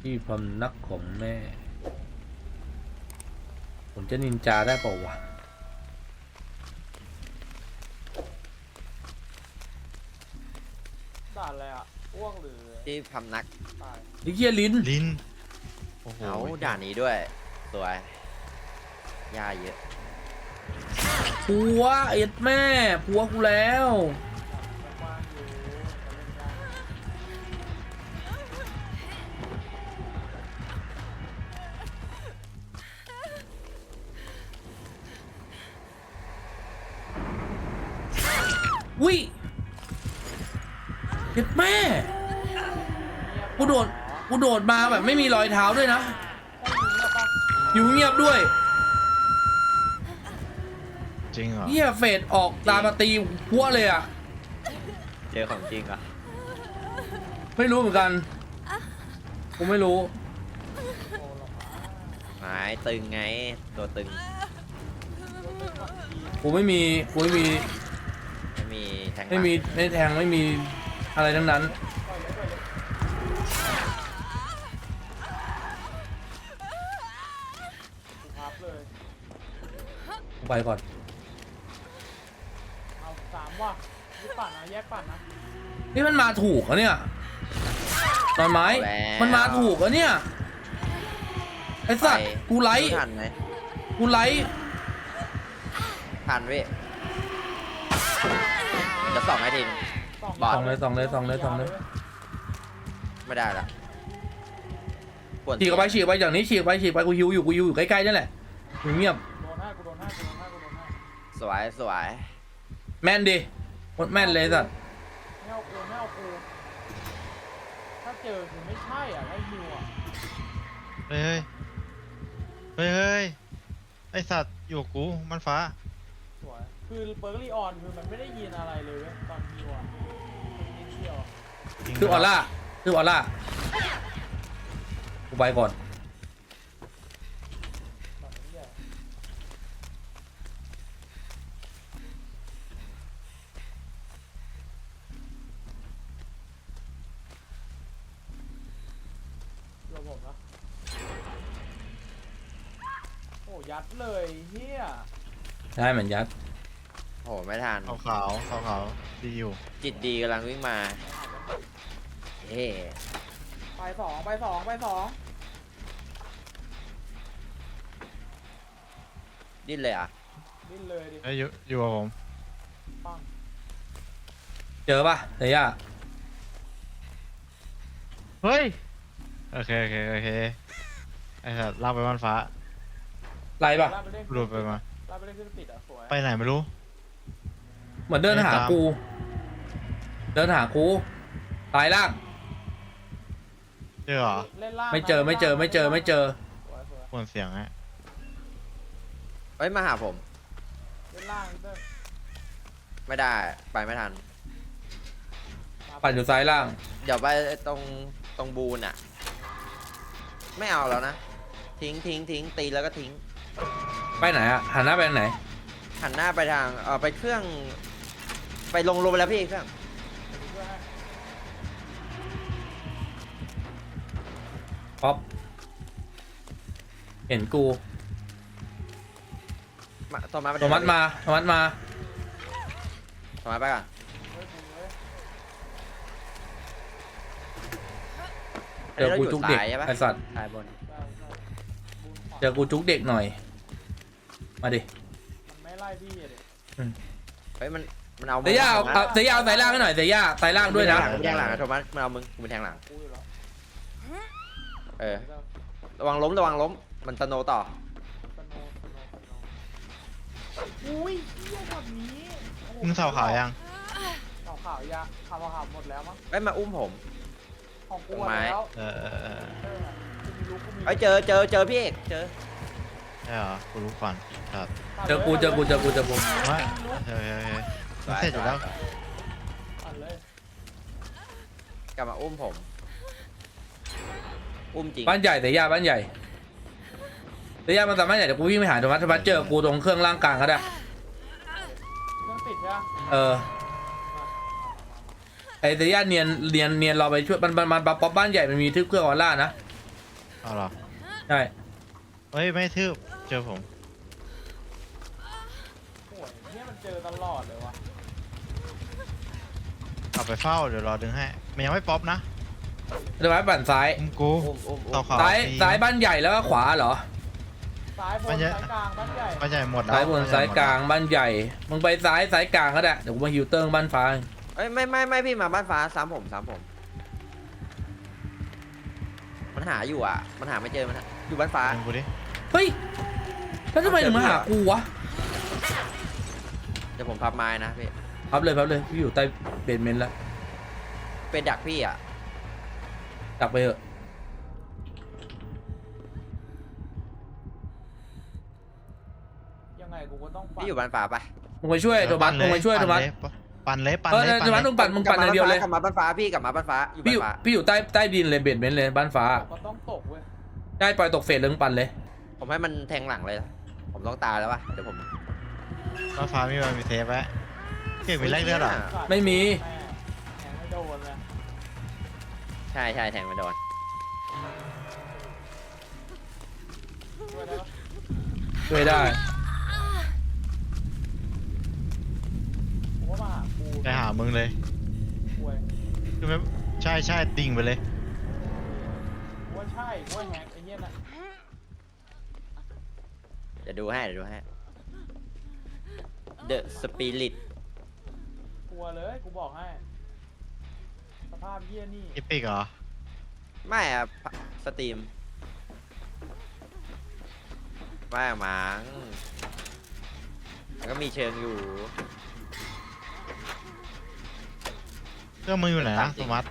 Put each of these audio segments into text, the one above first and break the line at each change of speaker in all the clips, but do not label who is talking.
ที่พำนักของแม่ผมจะนินจาได้เปล่าวะ
ด่าอะไรอ่ะอ้วกหรือ
ที่พำนัก
ตาย
ไอ้เหี้ยลิ้น
ลิ้นโอ้โห
เอาด่านนี้ด้วยสวยยาเยอะ
ผัวเอ็ดแม่ผัวกูแล้ว
กว้างอยู่จะเล่นได้
วิเอ็ดแม่กูโดดมาแบบไม่มีรอยเท้าด้วยนะ อยู่เงียบด้วย
จริงเหรอ
เหี้ยเฟดออกตามมาตีพัวเลยอ่ะ
เจอของจริงอ่ะ
ไม่รู้เหมือนกันกูไม่รู้
หมายตึงไงตัวตึง
กูไม่มี
ไม่มีแทงหลัง
ไม่แทงไม่มีอะไรทั้งนั้น
กูพับเลย
กูไปก่อน
เอาสามว่ะนี่ปั่นนะแยกปั่นนะ
นี่มันมาถูกเหรอเนี่ยตอนไม้มันมาถูกเหรอเนี่ยไอ้สัตว์กูไลท์
ทันไหม
กูไลท์
ทันเว้ยจะส่องให้ทีม บอด
ส่องเลย
ไม่ได้ละปวด
ฉีกออกไปอย่างนี้ฉีกไปกูฮิวอยู่ใกล้ๆนั่นแหละอยู่เงียบ
โดนให้กูโดนให้
สวยสวย
แม่นดิโคตรแม่นเลยสัตว์
ไม่เอากูถ้าเจอคือไม่ใช่อ่ะไล่ฮิวอ่ะ
เฮ้ยเฮ้ยเฮ้ยไอสัตว์อยู่กับกูมันฟ้า
สวยคือเบอร์ลี่ออนคือมันไม่ได้ยินอะไรเลยเว้ยตอนฮิวอ่ะนิดเดียว
คือออร่ากูไปก่อน
แบบนี้ใหญ่เดี๋ยวผมนะโอ้ยัดเลยเฮีย
ได้เหมือนยัด
โอ้โหไม่ทัน
ขาวดีอยู่
จิตดีกำลังวิ่งมาเฮ้
ไปสอง
ดิ้นเลยอ่ะ
ดิ้นเลยดิ
เอ้ยอยู่กับผม
ปัง
เจอปะเฮีย
เฮ้ยโอเคไอสัตว์ลากไปมันฟ้า
ไล่ปะ
ลากไปเล่น
หลุดไปมา
ลากไปเล่นเครื่องติดอ่ะสวย
ไปไหนไม่รู้
เหมือนเดินหากูตายล่าง
เจอเหรอ
เล่นล่าง
ไม่เจอ
สวย
ปวนเสียงฮะ
เอ้ยมาหาผม
เล่นล่างเด้อ
ไม่ได้ไปไม่ทัน
ปั่นอยู่ซ้ายล่าง
เดี๋ยวไปตรงบูนอ่ะ ไม่เอาแล้วนะ ทิ้งตีแล้วก็ทิ้ง
ไปไหนอะหันหน้าไปทางไหน
หันหน้าไปทางไปเครื่อง ไปลงไปแล้วพี่เครื่อง
ป๊อปเห็นกู
โทมัส
โทมัสมา
โทมัสไปก่อน
เจอกูจุกเด็ก
ใช่ปะ
ไอสัตว์
ถ่ายบน
เจอกูจุกเด็กหน่อย มาดิ
มันไม่ไล่พี่อะดิ
เฮ้ยมันเอา
เสียยาเอาเสียยาเอาสายล่างให้หน่อยเสียยาสายล่างด้วยนะ
มึงแทงหลังนะโทมัสมันเอามึงเป็นแทงหลัง
กูอยู่แล้ว
เออ ระวังล้ม มันตโนต่อ
สโนอุ้ยเหี้ยแบบนี้
มึงเสาขาวยัง
ข่าวยาข่าวหมดแล้วมั้ง
เอ้ยมาอุ้มผม
ของกูแล้ว
เออ
เอ้ยเจอพี่เอกเจอ
ใช่เหรอกูรู้ก่อนครับ
เจอกู
ว่าเฮ้ยมันเสร็จอยู่แล้ว
ปั่นเลย
กลับมาอุ้มผม อุ้มจริง
บ้านใหญ่เสียยาบ้านใหญ่เสียยามันสามารถใหญ่เดี๋ยวกูวิ่งไปหาโทมัสเจอกูตรงเครื่องล่างกลางก็ได้
เครื่องติดใช่ไหม
เออไอเสียยาเนียนรอไปช่วยมันป๊อปบ้านใหญ่มันมีทึบเครื่องออร่านะ
เอาเหรอ
ใช่
เฮ้ยไม่ทืบเจอผม
โอ้ยเนี่ยมันเจอตลอดเลยวะ
เอาไปเฝ้าเดี๋ยวรอดึงให้มันยังไม่ป๊อปนะ
เดี๋ยวไว้ปั่นซ้าย
อุ้มกู
อุ้ม
ต่อขวา
ซ้าย
ฟรี
ซ้ายบ้านใหญ่แล้วก็ขวาเหรอ
ซ้ายบน
มันจะ
ซ้ายกลางบ้านใหญ่
บ้านใหญ่หมดแล้ว
ซ้ายบนซ้ายกลางบ้านใหญ่มึงไปซ้ายกลางก็ได้เดี๋ยวกูมาฮิวเตอร์บ้านฟ้า
เอ้ยไม่พี่มาบ้านฟ้าซ้ำผมมันหาอยู่อ่ะมันหาไม่เจอมันอยู่บ้านฟ้า
ดึงกูดิ
เฮ้ยแล้วทำไมถึงมาหากูวะ
เดี๋ยวผมพับไม้นะพี่
พับเลยพี่อยู่ใต้เบสเมนต์แล้ว
เป็นดักพี่อ่ะ
ดักไปเถอะ
ยังไงกูก็ต้องปัด
พี่อยู่บ้านฟ้าไป
มึงไปช่วยโทมัสมึงไปช่วยโทมัส
ปั่นเลย
เออโทมัสมึงปั่นอย่างเดียวเลย
กลับมาบ้านฟ้าพี่กลับมาบ้านฟ้าอยู่
พี่
บ้า
อน ยู่
ฟ้า
พี่อยู่ใต้ดินเลยเบสเมนต์เลยบ้านฟ้า
ก็ต้องตกเว้ย
ได้ปล่อยตกเฟสเลยมึงปั่นเลย
ผมให้มันแทงหลังเลยผมต้องตายแล้ววะเดี๋ยวผม
บ้านฟ้ามีเซฟไว้เก่งมีแรกเลือดเหรอ
ไม่มี
แม่แทงไม่โดนเลย
ใช่แทงไม่โดน
ช่วยได้ปะ
ช่วยได้
ผมว่ามาหากู
ไปหามึงเลย
ป่วย
คือไม่ใช่ดิ่งไปเลย
กูว่าใช่กูว่าแฮกไอ้เหี้ยน่ะ
เดี๋ยวดูให้The Spirit
กลัวเลยกูบอกให้สภาพเหี้ยนี่
อีปิกเหรอ
ไม่อะสตรีมไม่อะมั้งมันก็มีเชิงอยู่
เครื่องมืออยู่ไหนนะโทมัส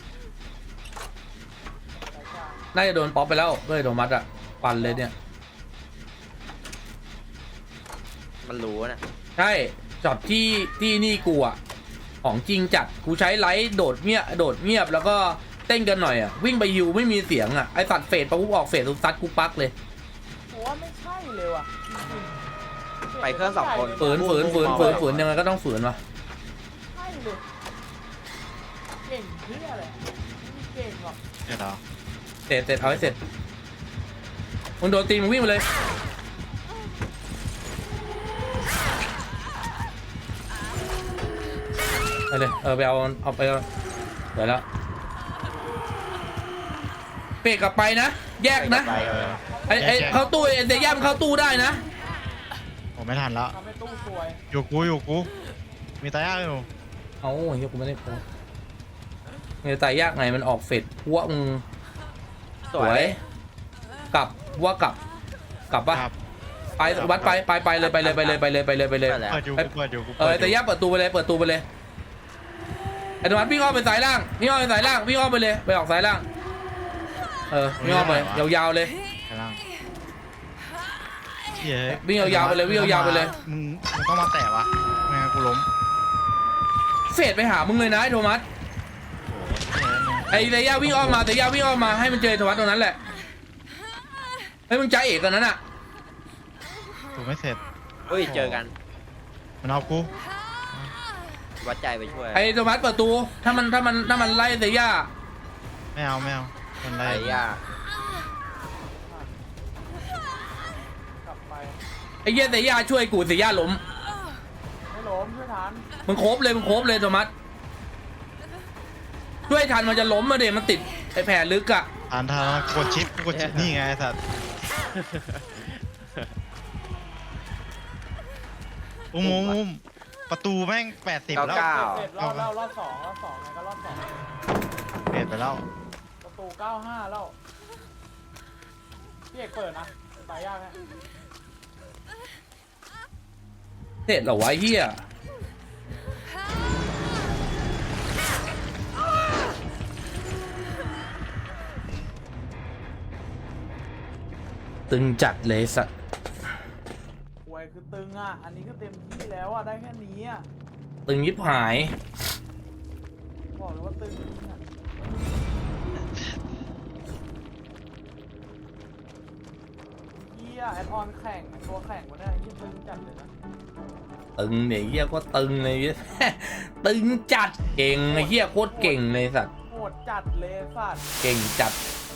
สายกลาง
น่าจะโดนป๊อปไปแล้วด้วยโทมัสอะปั่นเลยเนี่ย
มันรู้นะ
ใช่ช็อตที่นี่กูอะของจริงจัดกูใช้ไลท์โดดเงียบแล้วก็เต้นกันหน่อยอะวิ่งไปฮิวไม่มีเสียงอะไอสัตว์เฟดปุ๊บออกเฟดทุกซัดกูปักเลย
กูว่าไม่ใช่เลยว่ะจริงๆ
ไปเครื่องสองคน
ฝืนยังไงก็ต้องฝืนวะ
ใช่เลยเก่งเหี้ยอะไรไม่เก่งหรอก
เดี๋ยวเหรอ
เสร็จเอาให้เสร็จมึงโดนตีมึงวิ่งไปเลยไปเลยไปเอาไปเดี๋ยวแล้วเปกกลับไปนะแยกนะ
ไป
ไอ้เข้าตู้ไอ้เดย่ามนเข้าตู้ได้นะ
ผมไม่ทันแล้ว
ทำให้ตู้ซวย
อยู่กูมีตายากอยู่
เอาเฮียกูไม่ได้โพสเงี้ยตายยากไงมันออกเฟดพวกมึง
สวย
กลับว่ากลับปะ
ครับ
ไปวัดไปเลยไปเลย
ไปแล้ว
เปิดอยู่กูเปิดอยู่กู
แต่ย่าเปิดตูไปเลยไอ้ธรรมะวิ่งอ้อมไปสายล่างวิ่งอ้อมไปสายล่างวิ่งอ้อมไปเลยไปออกสายล่างวิ่งอ้อมไปยาวๆเลย
ข้างล่างเฮ้ย
วิ่งยาวๆไปเลยวิ่งยาวๆไปเลย
มึงต้องมาแตะวะไม่งั้นกูล้ม
เฟดไปหามึงเลยนะไอ้โทมัส
โอ้โห
ไอ้เดย่าวิ่งอ้อมมาให้มันเจอโทมัสตรงนั้นแหละให้มึงใจเอกกันนั้นอ่ะ
ถูกไม่เสร็จ
เฮ้ยเจอกัน
มันเอากู
วัดใจไปช่วย
ไอ้โทมัสเปิดตูถ้ามันไล่เดย่า
ไม่เอามันไร
ไอ้ยาก
กลับไป
ไอ้เหี้ยเดย่าช่วยกูเดย่าล้ม
ไม่ล้มช่วยทัน
มึงโคบเลยโทมัสช่วยทันมันจะล้มมาเดี๋ยวมันติดไอ้แผลลึกอะ
อ่านทางกดชิปนี่ไงไอ้สัตว์อุ้มประตูแม่ง80แล้ว
เสร็จรอบแล้วรอบสองไงก็รอบสอง
เปลี่ยนไปแล้ว
ประตู95แล้วพี่เอกเปิดนะตายยากฮะ
เสร็จเหรอวะไอ้เหี้ยตึงจัดเลยสัตว์
ป่วยคือตึงอ่ะอันนี้ก็เต็มที่แล้วอ่ะได้แค่นี้อ่ะ
ตึงยิบหาย
บอกเลยว่าตึงจริงอ่ะเหี้ยแอดออนแข่งตัวแข่งวันนี้ยิ่งตึงจัดเลยนะ
ตึงเนี่ยเหี้ยก็ตึงเลย ตึงจัดเก่งไอ้เหี้ยโคตรเก่งเลยสัตว์
โหดจัดเลยสัตว์
เก่งจัด